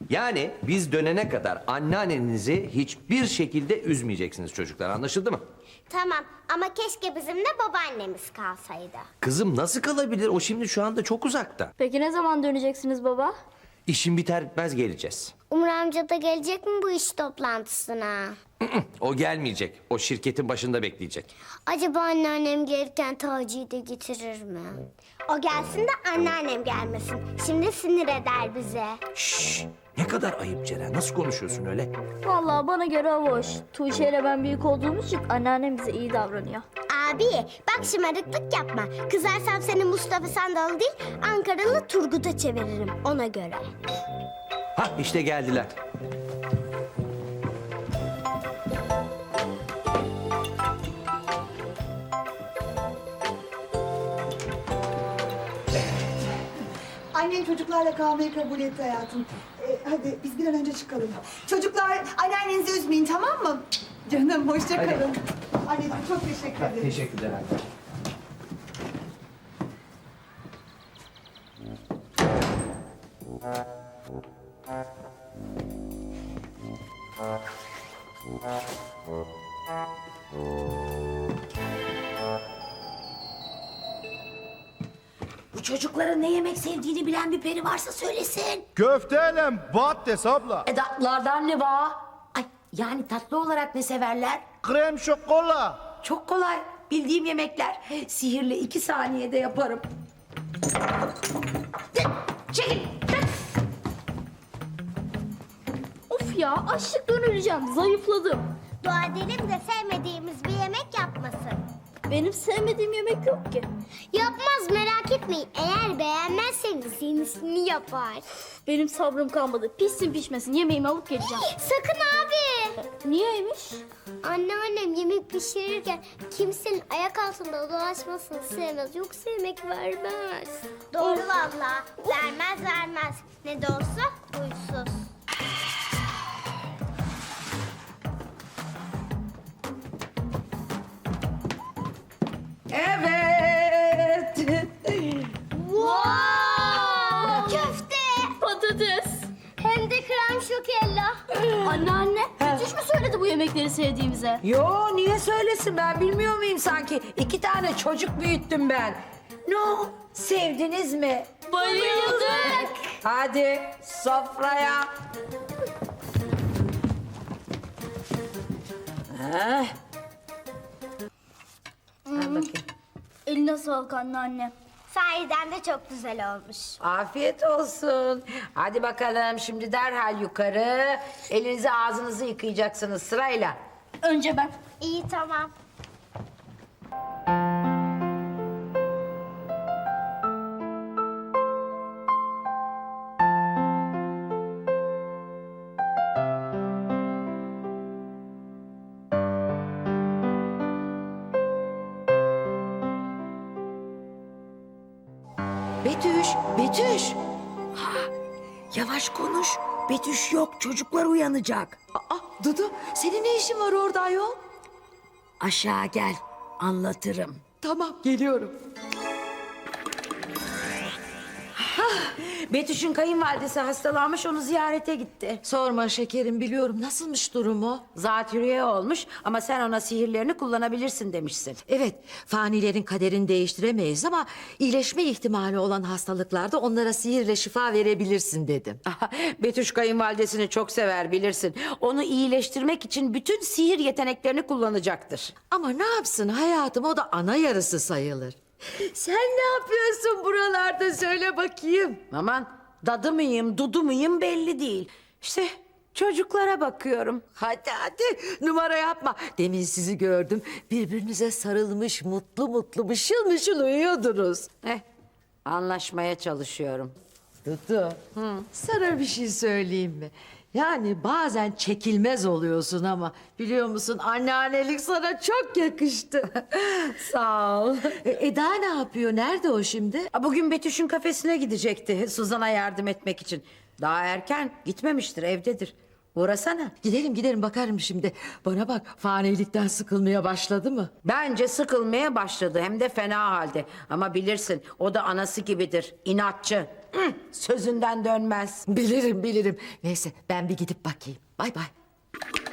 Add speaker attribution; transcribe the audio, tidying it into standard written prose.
Speaker 1: Yani biz dönene kadar anneannenizi hiçbir şekilde üzmeyeceksiniz çocuklar, anlaşıldı mı?
Speaker 2: Tamam ama keşke bizim de babaannemiz kalsaydı.
Speaker 1: Kızım nasıl kalabilir? O şimdi şu anda çok uzakta.
Speaker 3: Peki ne zaman döneceksiniz baba?
Speaker 1: İşin biter bitmez geleceğiz.
Speaker 2: Umur amca da gelecek mi bu iş toplantısına?
Speaker 1: O gelmeyecek. O şirketin başında bekleyecek.
Speaker 2: Acaba anneannem gelirken Taci'yi de getirir mi? O gelsin de anneannem gelmesin. Şimdi sinir eder bize.
Speaker 1: Şşş! Ne kadar ayıp Ceren. Nasıl konuşuyorsun öyle?
Speaker 3: Vallahi bana göre hoş. Tuğçe ile ben büyük olduğumuz için anneannem bize iyi davranıyor.
Speaker 2: Abi bak şımarıklık yapma. Kızarsam seni Mustafa Sandal değil Ankaralı Turgut'a çeviririm ona göre.
Speaker 1: Hah işte geldiler.
Speaker 4: Annen çocuklarla kalmayı kabul etti hayatım. Hadi biz bir an önce çıkalım. Çocuklar anneannenizi üzmeyin, tamam mı? Canım hoşça kalın. Anneciğim çok teşekkür ederim.
Speaker 1: Teşekkürler anne.
Speaker 5: Bu çocukların ne yemek sevdiğini bilen bir peri varsa söylesin.
Speaker 6: Köfteyle patates abla.
Speaker 5: Tatlılardan ne var? Ay yani tatlı olarak ne severler?
Speaker 6: Krem şokola.
Speaker 5: Çok kolay. Bildiğim yemekler. Sihirle 2 saniyede yaparım. Çekil.
Speaker 3: Of ya açlıktan öleceğim. Zayıfladım.
Speaker 2: Dua edelim de sevmediğimiz bir yemek yapmasın.
Speaker 3: Benim sevmediğim yemek yok ki.
Speaker 2: Yapmaz merak etmeyin. Eğer beğenmezseniz yenisini yapar.
Speaker 3: Benim sabrım kalmadı. Pişsin pişmesin yemeğimi alıp geleceğim.
Speaker 2: Sakın abi.
Speaker 3: Niyeymiş?
Speaker 2: Anneannem yemek pişirirken kimsenin ayak altında dolaşmasını sevmez. Yoksa yemek vermez. Doğru valla. Vermez. Ne de olsa huysuz.
Speaker 5: Evet.
Speaker 2: Wow! Köfte.
Speaker 3: Patates.
Speaker 2: Hem de krem şokella.
Speaker 3: Anneanne. Hiç mi söyledi bu yemekleri sevdiğimize?
Speaker 5: Yo niye söylesin ben bilmiyor muyum sanki? 2 tane çocuk büyüttüm ben. No sevdiniz mi?
Speaker 3: Bayıldık.
Speaker 5: Hadi sofraya. Heh. Al bakayım.
Speaker 3: Eline sağlık anneanne.
Speaker 2: Sahiden de çok güzel olmuş.
Speaker 5: Afiyet olsun. Hadi bakalım şimdi derhal yukarı. Elinizi ağzınızı yıkayacaksınız sırayla.
Speaker 3: Önce ben.
Speaker 2: İyi tamam.
Speaker 5: Betüş, Betüş. Ha, yavaş konuş. Betüş yok, çocuklar uyanacak.
Speaker 7: Dudu, senin ne işin var orada ayol?
Speaker 5: Aşağı gel, anlatırım.
Speaker 7: Tamam, geliyorum.
Speaker 5: Betüş'ün kayınvalidesi hastalanmış, onu ziyarete gitti.
Speaker 7: Sorma şekerim, biliyorum. Nasılmış durumu?
Speaker 5: Zatürre olmuş ama sen ona sihirlerini kullanabilirsin demişsin.
Speaker 7: Evet, fanilerin kaderini değiştiremeyiz ama iyileşme ihtimali olan hastalıklarda onlara sihirle şifa verebilirsin dedim.
Speaker 5: Betüş kayınvalidesini çok sever bilirsin. Onu iyileştirmek için bütün sihir yeteneklerini kullanacaktır.
Speaker 7: Ama ne yapsın hayatım, o da ana yarısı sayılır. Sen ne yapıyorsun buralarda söyle bakayım.
Speaker 5: Aman dadı mıyım, dudu muyum belli değil. İşte çocuklara bakıyorum.
Speaker 7: Hadi numara yapma. Demin sizi gördüm. Birbirinize sarılmış mutlu mutlu mışıl mışıl uyuyordunuz.
Speaker 5: Anlaşmaya çalışıyorum.
Speaker 7: Dudu, sana bir şey söyleyeyim mi? Yani bazen çekilmez oluyorsun ama biliyor musun anneannelik sana çok yakıştı.
Speaker 5: Sağ ol.
Speaker 7: Eda ne yapıyor? Nerede o şimdi?
Speaker 5: Bugün Betüş'ün kafesine gidecekti Suzan'a yardım etmek için. Daha erken gitmemiştir, evdedir. Uğrasana.
Speaker 7: Gidelim bakarım şimdi. Bana bak fanilikten sıkılmaya başladı mı?
Speaker 5: Bence sıkılmaya başladı hem de fena halde. Ama bilirsin o da anası gibidir, inatçı. Sözünden dönmez.
Speaker 7: Bilirim bilirim. Neyse ben bir gidip bakayım. Bay bay.